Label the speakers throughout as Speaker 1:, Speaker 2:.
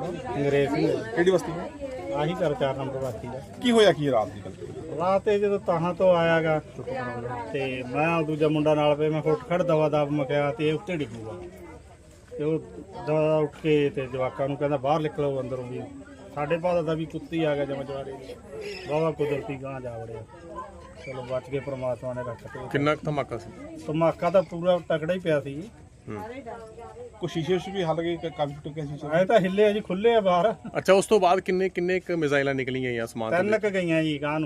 Speaker 1: अंग्रेज सिंह
Speaker 2: ਕਿਹੜੀ ਬਸਤੀ ਹੈ?
Speaker 1: आही कर 4 नंबर बाकी है।
Speaker 2: ਕੀ ਹੋਇਆ ਕੀ ਰਾਤ ਦੀ ਗੱਲ?
Speaker 1: रात जो तहां तो आयागा ते मैं दूजा मुंडा नाल पे मैं उठ खड़ दवा दब मकिया ते उत्ते डिगूगा ते वो दवा उठ के ते जवाकां नूं कहंदा बाहर निकलो अंदरों भी साडे पास दा भी कुत्ती आ गया जमा जवारे बावा कुदरती गां जा वड़िया। चलो बच के परमात्मा ने रख के।
Speaker 3: किन्ना कुछ धमाका सी?
Speaker 1: धमाका तो पूरा तगड़ा ही पिया सी।
Speaker 2: ਕੋਈ ਸ਼ੀਸ਼ੇ ਵੀ ਹੱਲ ਗਏ ਕਾਫੀ ਟੁੱਟੇ ਸੀ?
Speaker 1: ਐ ਤਾਂ ਹਿੱਲੇ ਆ ਜੀ, ਖੁੱਲੇ ਆ ਬਾਹਰ।
Speaker 3: ਅੱਛਾ, ਉਸ ਤੋਂ ਬਾਅਦ ਕਿੰਨੇ ਕਿੰਨੇ ਕ ਮਿਜ਼ਾਈਲਾਂ ਨਿਕਲੀਆਂ ਜਾਂ ਸਮਾਨ?
Speaker 1: 3 ਕ ਗਈਆਂ ਜੀ ਗਾਂ ਨੂੰ।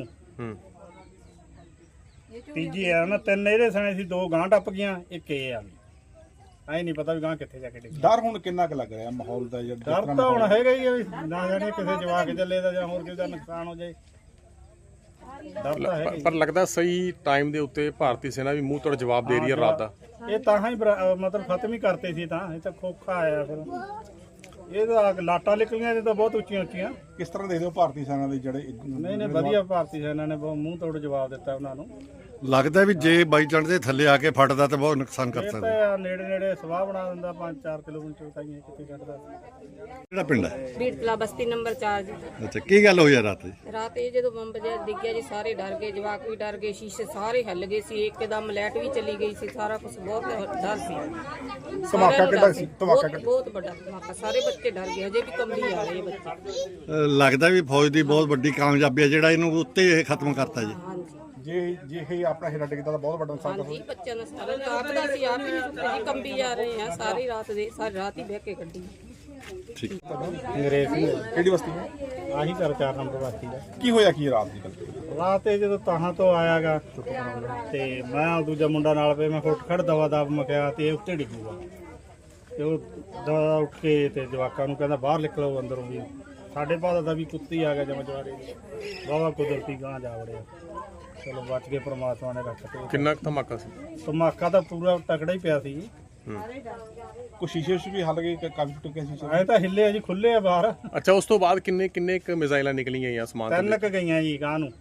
Speaker 1: ਤੀਜੀ ਆ ਨਾ, 3 ਇਹਦੇ ਸਣੇ ਸੀ, 2 ਗਾਂ ਟੱਪ ਗਈਆਂ, ਇੱਕ ਇਹ ਆ। ਐ ਨਹੀਂ ਪਤਾ ਵੀ ਗਾਂ ਕਿੱਥੇ ਜਾ ਕੇ ਡਿੱਗੀ।
Speaker 2: ਡਰ ਹੁਣ ਕਿੰਨਾ ਕੁ ਲੱਗ ਰਿਹਾ ਮਾਹੌਲ ਦਾ?
Speaker 1: ਡਰ ਤਾਂ ਹੁਣ ਹੈਗਾ ਹੀ ਆ ਵੀ ਨਾ ਜਾਣੇ ਕਿਸੇ ਜਵਾਕ ਚੱਲੇ ਦਾ ਜਾਂ ਹੋਰ ਕਿਸੇ ਦਾ ਨੁਕਸਾਨ ਹੋ ਜਾਏ। ਡਰ ਤਾਂ ਹੈਗਾ ਹੀ।
Speaker 3: ਪਰ ਲੱਗਦਾ ਸਹੀ ਟਾਈਮ ਦੇ ਉੱਤੇ ਭਾਰਤੀ ਸੈਨਾ ਵੀ ਮੂੰਹ ਤੋੜ ਜਵਾਬ ਦੇ ਰਹੀ ਹੈ ਰਾਤ ਦਾ।
Speaker 1: ਇਹ ਤਾਂ ਹੀ ਮਤਲਬ ਖਤਮ ਹੀ ਕਰਤੇ ਸੀ, ਤਾਂ ਇਹ ਤਾਂ ਖੋਖਾ ਆਇਆ ਫਿਰ। ਇਹ ਤਾਂ ਲਾਟਾਂ ਨਿਕਲੀਆਂ ਇਹ ਤਾਂ ਬਹੁਤ ਉੱਚੀਆਂ ਉੱਚੀਆਂ।
Speaker 2: ਕਿਸ ਤਰ੍ਹਾਂ ਦੇਖਦੇ ਹੋ ਭਾਰਤੀ ਸੈਨਾ ਦੇ ਜਿਹੜੇ
Speaker 1: ਨਹੀਂ ਵਧੀਆ, ਭਾਰਤੀ ਸੈਨਾ ਨੇ ਬਹੁਤ ਮੂੰਹ ਤੋੜ ਜਵਾਬ ਦਿੱਤਾ ਉਹਨਾਂ ਨੂੰ।
Speaker 4: ਲੱਗਦਾ ਵੀ ਜੇ ਬਾਈ ਚਾਂਸ ਦੇ ਥੱਲੇ ਆ ਕੇ ਫਟਦਾ ਤਾਂ ਬਹੁਤ ਨੁਕਸਾਨ ਕਰ
Speaker 1: ਇਹ
Speaker 4: ਸਕਦਾ।
Speaker 1: ਤਾਂ ਨੇੜੇ ਨੇੜੇ ਸਵਾਹ ਬਣਾ ਦਿੰਦਾ, 5-4 ਕਿਲੋਮੀਟਰ ਤਾਈਂ ਕਿੱਥੇ ਕੱਢਦਾ।
Speaker 4: ਕਿਹੜਾ ਪਿੰਡ ਹੈ?
Speaker 5: ਬੀੜਤਲਾ ਬਸਤੀ ਨੰਬਰ 4 ਜੀ।
Speaker 4: ਅੱਛਾ, ਕੀ ਗੱਲ ਹੋਈ ਆ ਰਾਤ?
Speaker 5: ਰਾਤ ਇਹ ਜਦੋਂ ਬੰਬ ਜਿਹਾ ਡਿੱਗਿਆ ਜੀ, ਸਾਰੇ ਡਰ ਗਏ, ਜਵਾਕ ਵੀ ਡਰ ਗਏ, ਸ਼ੀਸ਼ੇ ਸਾਰੇ ਹਿੱਲ ਗਏ ਸੀ, ਇੱਕਦਮ ਲਾਈਟ ਵੀ ਚਲੀ ਗਈ ਸੀ, ਸਾਰਾ ਕੁਝ ਬਹੁਤ ਡਰ ਸੀ।
Speaker 2: ਧਮਾਕਾ ਕਿੱਡਾ ਸੀ? ਧਮਾਕਾ
Speaker 5: ਬਹੁਤ ਵੱਡਾ ਧਮਾਕਾ, ਸਾਰੇ ਬੱਚੇ ਡਰ ਗਏ, ਅਜੇ ਵੀ ਕੰਬੀ ਆ ਰਹੇ ਬੱਚੇ।
Speaker 4: ਲੱਗਦਾ ਵੀ ਫੌਜ ਦੀ ਬਹੁਤ ਵੱਡੀ ਕਾਮਯਾਬੀ ਹੈ ਜਿਹੜਾ ਇਹਨੂੰ ਉੱਤੇ ਇਹ ਖਤਮ ਕਰਤਾ ਜੀ।
Speaker 5: ਹਾਂਜੀ
Speaker 2: ਜੇ ਇਹ ਆਪਣਾ ਹੀਰਾ ਡਿੱਗਦਾ ਤਾਂ ਬਹੁਤ ਵੱਡਾ ਨੁਕਸਾਨ
Speaker 5: ਹਾਂਜੀ, ਬੱਚਿਆਂ ਦਾ ਸਾਰਾ ਰਾਤ ਦਾ ਸੀ, ਆਪ ਹੀ ਨਹੀਂ ਸੁੱਤੇ ਜੀ, ਕੰਬੀ ਜਾ ਰਹੇ ਆ ਸਾਰੀ ਰਾਤ ਹੀ ਬਹਿ ਕੇ ਕੱਢੀ।
Speaker 4: ਠੀਕ।
Speaker 1: ਅੰਗਰੇਜ਼ ਸਿੰਘ
Speaker 2: ਕਿਹੜੀ ਬਸਤੀ ਹੈ?
Speaker 1: ਆਹੀ ਕਰ 4 ਨੰਬਰ ਬਾਕੀ ਹੈ।
Speaker 2: ਕੀ ਹੋਇਆ ਕੀ ਰਾਤ ਦੀ ਗੱਲ?
Speaker 1: ਰਾਤ ਜਦੋਂ ਤਹਾਂ ਤੋਂ ਆਇਆਗਾ ਤੇ ਮੈਂ ਦੂਜਾ ਮੁੰਡਾ ਨਾਲ ਪਏ, ਮੈਂ ਉੱਠ ਖੜ ਦਵਾ ਦਬ ਮਕਿਆ ਤੇ ਉੱਤੇ ਡਿੱਗੂਗਾ ਤੇ ਉਹ ਦਵਾ ਉੱਠ ਕੇ ਤੇ ਜਵਾਕਾਂ ਨੂੰ ਕਹਿੰਦਾ ਬਾਹਰ ਨਿਕਲੋ ਅੰਦਰੋਂ ਵੀ ਸਾਡੇ ਪਾਸ ਦਾ ਵੀ ਕੁੱਤੀ ਆ ਗਿਆ ਜਮਾ ਜਵਾਰੇ ਬਾਵਾ ਕੁਦਰਤੀ ਗਾਂ ਜਾ ਵੜਿਆ। ਚਲੋ ਬਚ ਕੇ ਪ੍ਰਮਾਤਮਾ ਨੇ ਰੱਖ ਕੇ।
Speaker 3: ਕਿੰਨਾ ਕੁ ਧਮਾਕਾ ਸੀ?
Speaker 1: ਧਮਾਕਾ ਤਾਂ ਪੂਰਾ ਤਗੜਾ ਹੀ ਪਿਆ ਸੀ।
Speaker 2: ਕੋਈ ਸ਼ੀਸ਼ੇ ਵੀ ਹੱਲ ਗਏ ਕਾਫੀ ਟੁੱਟੇ ਸੀ?
Speaker 1: ਐ ਤਾਂ ਹਿੱਲੇ ਆ ਜੀ, ਖੁੱਲੇ ਆ ਬਾਹਰ।
Speaker 3: ਅੱਛਾ, ਉਸ ਤੋਂ ਬਾਅਦ ਕਿੰਨੇ ਕਿੰਨੇ ਕ ਮਿਜ਼ਾਈਲਾਂ ਨਿਕਲੀਆਂ ਜਾਂ ਸਮਾਨ?
Speaker 1: 3 ਕ ਗਈਆਂ ਜੀ ਗਾਂ ਨੂੰ।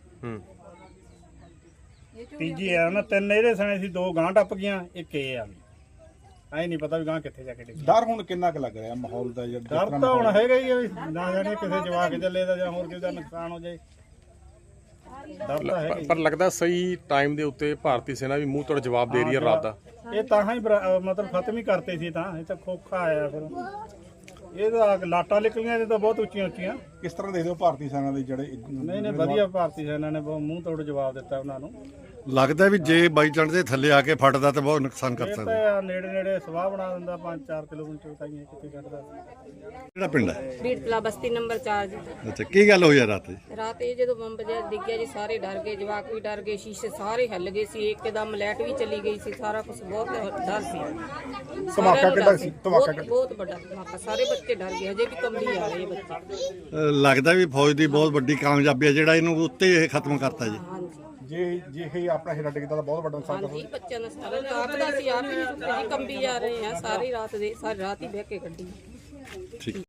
Speaker 1: ਤੀਜੀ ਆ ਨਾ, 3 ਇਹਦੇ ਸਣੇ ਸੀ, 2 ਗਾਂ ਟੱਪ ਗਈਆਂ, ਇੱਕ ਇਹ ਆ। ਐ ਨਹੀਂ ਪਤਾ ਵੀ ਗਾਂ ਕਿੱਥੇ ਜਾ ਕੇ ਡਿੱਗੀ।
Speaker 2: ਡਰ ਹੁਣ ਕਿੰਨਾ ਕੁ ਲੱਗ ਰਿਹਾ ਮਾਹੌਲ ਦਾ?
Speaker 1: ਡਰ ਤਾਂ ਹੁਣ ਹੈਗਾ ਹੀ ਆ ਵੀ ਨਾ ਜਾਣੇ ਕਿਸੇ ਜਵਾਕ ਚੱਲੇ ਦਾ ਜਾਂ ਹੋਰ ਕਿਸੇ ਦਾ ਨੁਕਸਾਨ ਹੋ ਜਾਏ। ਡਰ ਤਾਂ ਹੈਗਾ ਹੀ।
Speaker 3: ਪਰ ਲੱਗਦਾ ਸਹੀ ਟਾਈਮ ਦੇ ਉੱਤੇ ਭਾਰਤੀ ਸੈਨਾ ਵੀ ਮੂੰਹ ਤੋੜ ਜਵਾਬ ਦੇ ਰਹੀ ਹੈ ਰਾਤ ਦਾ।
Speaker 1: ਇਹ ਤਾਂ ਹੀ ਮਤਲਬ ਖਤਮ ਹੀ ਕਰਤੇ ਸੀ, ਤਾਂ ਇਹ ਤਾਂ ਖੋਖਾ ਆਇਆ ਫਿਰ। ਇਹ ਤਾਂ ਲਾਟਾਂ ਨਿਕਲੀਆਂ ਇਹ ਤਾਂ ਬਹੁਤ ਉੱਚੀਆਂ ਉੱਚੀਆਂ।
Speaker 2: ਕਿਸ ਤਰ੍ਹਾਂ ਦੇਖਦੇ ਹੋ ਭਾਰਤੀ ਸੈਨਾ ਦੇ ਜਿਹੜੇ
Speaker 1: ਨਹੀਂ ਵਧੀਆ, ਭਾਰਤੀ ਸੈਨਾ ਨੇ ਬਹੁਤ ਮੂੰਹ ਤੋੜ ਜਵਾਬ ਦਿੱਤਾ ਉਹਨਾਂ ਨੂੰ।
Speaker 4: ਲੱਗਦਾ ਵੀ ਜੇ ਬਾਈ ਚਾਂਸ ਦੇ ਥੱਲੇ ਆ ਕੇ ਫਟਦਾ ਤਾਂ ਬਹੁਤ ਨੁਕਸਾਨ ਕਰ
Speaker 1: ਇਹ
Speaker 4: ਸਕਦਾ।
Speaker 1: ਤਾਂ ਨੇੜੇ ਨੇੜੇ ਸਵਾਹ ਬਣਾ ਦਿੰਦਾ, 5-4 ਕਿਲੋਮੀਟਰ ਤਾਈਂ ਕਿੱਥੇ ਕੱਢਦਾ।
Speaker 4: ਕਿਹੜਾ ਪਿੰਡ ਹੈ?
Speaker 5: ਬੀੜਤਲਾ ਬਸਤੀ ਨੰਬਰ 4 ਜੀ।
Speaker 4: ਅੱਛਾ, ਕੀ ਗੱਲ ਹੋਈ ਆ ਰਾਤ?
Speaker 5: ਰਾਤ ਇਹ ਜਦੋਂ ਬੰਬ ਜਿਹਾ ਡਿੱਗਿਆ ਜੀ, ਸਾਰੇ ਡਰ ਗਏ, ਜਵਾਕ ਵੀ ਡਰ ਗਏ, ਸ਼ੀਸ਼ੇ ਸਾਰੇ ਹਿੱਲ ਗਏ ਸੀ, ਇੱਕਦਮ ਲਾਈਟ ਵੀ ਚਲੀ ਗਈ ਸੀ, ਸਾਰਾ ਕੁਝ ਬਹੁਤ ਡਰ ਸੀ।
Speaker 2: ਧਮਾਕਾ ਕਿੱਡਾ ਸੀ?
Speaker 5: ਬਹੁਤ ਵੱਡਾ ਧਮਾਕਾ, ਸਾਰੇ ਬੱਚੇ ਡਰ ਗਏ, ਅਜੇ ਵੀ ਕੰਬੀ ਆ ਰਹੇ ਬੱਚੇ।
Speaker 4: ਲੱਗਦਾ ਵੀ ਫੌਜ ਦੀ ਬਹੁਤ ਵੱਡੀ ਕਾਮਯਾਬੀ ਹੈ ਜਿਹੜਾ ਇਹਨੂੰ ਉੱਤੇ ਇਹ ਖਤਮ ਕਰਤਾ ਜੀ।
Speaker 5: ਹਾਂਜੀ
Speaker 2: ਜੇ ਇਹ ਆਪਣਾ ਹੀਰਾ ਡਿੱਗਦਾ ਤਾਂ ਬਹੁਤ ਵੱਡਾ ਨੁਕਸਾਨ
Speaker 5: ਹਾਂਜੀ, ਬੱਚਿਆਂ ਦਾ ਸਾਰਾ ਰਾਤ ਦਾ ਸੀ, ਆਪ ਹੀ ਨਹੀਂ ਸੁੱਤੇ ਜੀ, ਕੰਬੀ ਜਾ ਰਹੇ ਆ ਸਾਰੀ ਰਾਤ ਹੀ ਬਹਿ ਕੇ ਕੱਢੀ।
Speaker 4: ਠੀਕ।